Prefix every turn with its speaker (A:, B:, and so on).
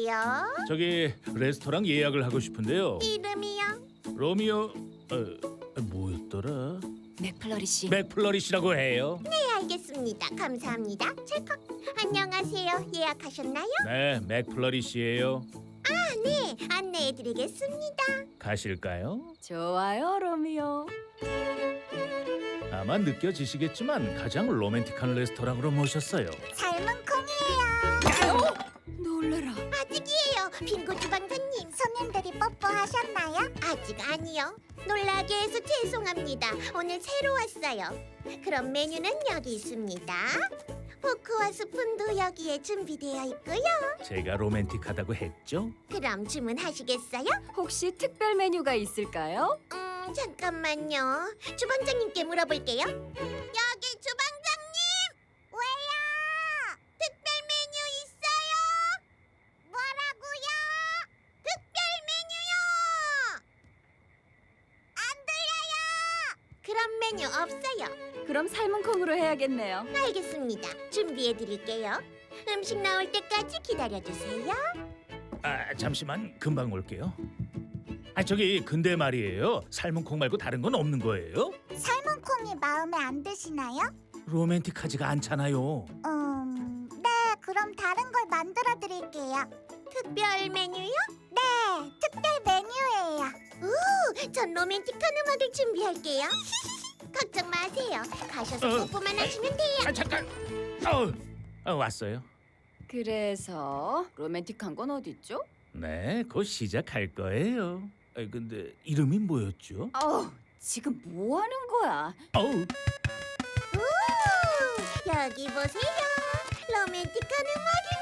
A: 누구세요?
B: 저기 레스토랑 예약을 하고 싶은데요.
A: 이름이요?
B: 로미오 뭐였더라?
C: 맥플러리씨.
B: 맥플러리시라고 해요.
A: 네, 알겠습니다. 감사합니다. 찰칵. 안녕하세요. 예약하셨나요?
B: 네, 맥플러리시예요.
A: 네, 안내해드리겠습니다.
B: 가실까요?
C: 좋아요, 로미오.
B: 아마 느껴지시겠지만 가장 로맨틱한 레스토랑으로 모셨어요.
A: 삶은 콩이에요.
C: 놀래라.
A: 아직이에요. 빙고 주방장님. 손님들이 뽀뽀하셨나요? 아직 아니요. 놀라게 해서 죄송합니다. 오늘 새로 왔어요. 그럼 메뉴는 여기 있습니다. 포크와 스푼도 여기에 준비되어 있고요.
B: 제가 로맨틱하다고 했죠?
A: 그럼 주문하시겠어요?
C: 혹시 특별 메뉴가 있을까요?
A: 잠깐만요. 주방장님께 물어볼게요. 여기 주방장님! 왜요? 특별 메뉴 있어요? 뭐라고요? 특별 메뉴요! 안 들려요! 그런 메뉴 없어요.
C: 그럼 삶은 콩으로 해야겠네요.
A: 알겠습니다. 준비해드릴게요. 음식 나올 때까지 기다려주세요.
B: 아, 잠시만 금방 올게요. 아, 저기 근데 말이에요. 삶은 콩 말고 다른 건 없는 거예요?
A: 삶은 콩이 마음에 안 드시나요?
B: 로맨틱하지가 않잖아요.
A: 네, 그럼 다른 걸 만들어 드릴게요. 특별 메뉴요? 네, 특별 메뉴예요. 오, 전 로맨틱한 음악을 준비할게요. 걱정 마세요. 가셔서 뽀뽀만 하시면 돼요.
B: 아, 잠깐. 왔어요.
C: 그래서 로맨틱한 건 어딨죠?
B: 네, 곧 시작할 거예요. 근데 이름이 뭐였죠?
C: 지금 뭐 하는 거야?
B: 어우,
A: 오, 여기 보세요. 로맨틱한 음악이